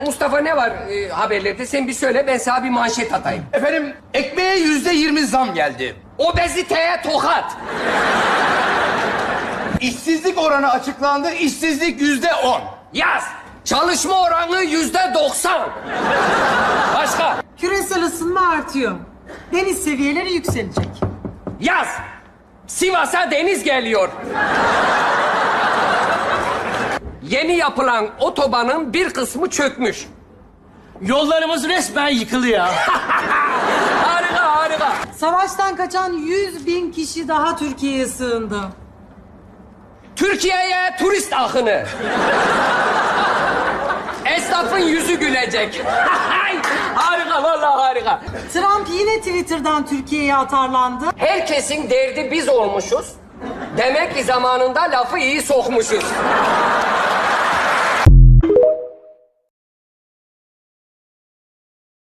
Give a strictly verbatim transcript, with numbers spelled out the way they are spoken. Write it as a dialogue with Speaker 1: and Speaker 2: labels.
Speaker 1: Mustafa ne var e, haberlerde? Sen bir söyle, ben sana bir manşet atayım.
Speaker 2: Efendim, ekmeğe yüzde yirmi zam geldi.
Speaker 1: Obeziteye tokat.
Speaker 2: İşsizlik oranı açıklandı, işsizlik yüzde on.
Speaker 1: Yaz. Çalışma oranı yüzde doksan. Başka?
Speaker 3: Küresel ısınma artıyor. Deniz seviyeleri yükselecek.
Speaker 1: Yaz. Sivas'a deniz geliyor. Yeni yapılan otobanın bir kısmı çökmüş.
Speaker 4: Yollarımız resmen yıkılıyor.
Speaker 1: Harika, harika.
Speaker 3: Savaştan kaçan yüz bin kişi daha Türkiye'ye sığındı.
Speaker 1: Türkiye'ye turist akını. Esnafın yüzü gülecek. Harika, vallahi harika.
Speaker 3: Trump yine Twitter'dan Türkiye'ye atarlandı.
Speaker 1: Herkesin derdi biz olmuşuz. Demek ki zamanında lafı iyi sokmuşuz.